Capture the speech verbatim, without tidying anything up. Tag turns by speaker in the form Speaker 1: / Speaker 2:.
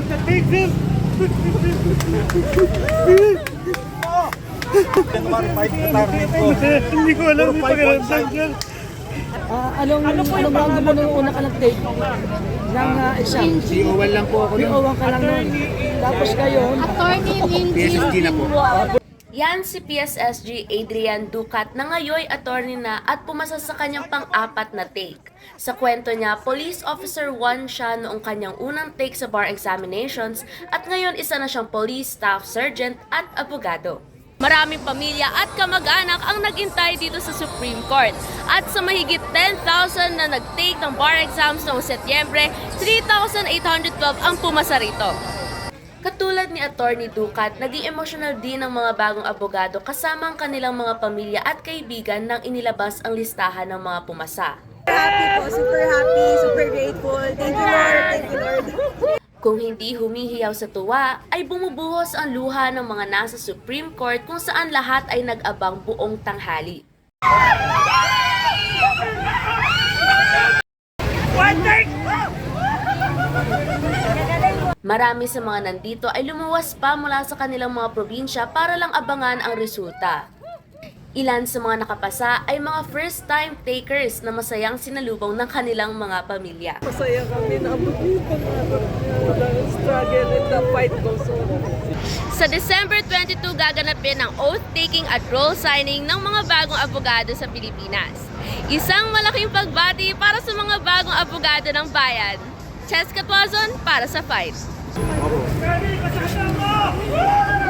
Speaker 1: start the take, sir. Hindi ko alam yung pakiramdam, sir.
Speaker 2: Ah, anong, ano po yung round mo nung una ka nag-take ng uh, exam?
Speaker 3: C O one lang po ako
Speaker 2: P O one ka lang nun. Tapos ngayon,
Speaker 4: Attorney
Speaker 3: P S S G na po.
Speaker 4: Yan si P S S G Adrian Ducat na ngayon attorney na at pumasa sa kanyang pang-apat na take. Sa kwento niya, police officer one siya noong kanyang unang take sa bar examinations at ngayon isa na siyang police staff sergeant at abogado. Maraming pamilya at kamag-anak ang nag-intay dito sa Supreme Court. At sa mahigit ten thousand na nag-take ng bar exams noong Setyembre, three thousand eight hundred twelve ang pumasa rito. Katulad ni Attorney Ducat, naging emotional din ng mga bagong abogado kasama ang kanilang mga pamilya at kaibigan nang inilabas ang listahan ng mga pumasa.
Speaker 5: Happy po, super happy, super grateful. Thank you Lord, thank you Lord.
Speaker 4: Kung hindi humihiyaw sa tuwa, ay bumubuhos ang luha ng mga nasa Supreme Court kung saan lahat ay nag-abang buong tanghali. Marami sa mga nandito ay lumuwas pa mula sa kanilang mga probinsya para lang abangan ang resulta. Ilan sa mga nakapasa ay mga first-time takers na masayang sinalubong ng kanilang mga pamilya.
Speaker 5: Masaya kami na ang struggle and the fight goes on.
Speaker 4: Sa December twenty-two gaganapin ang oath-taking at roll signing ng mga bagong abogado sa Pilipinas. Isang malaking pagbati para sa mga bagong abogado ng bayan. Cheska Tuazon para sa Fight.
Speaker 1: Ready, kasama mo!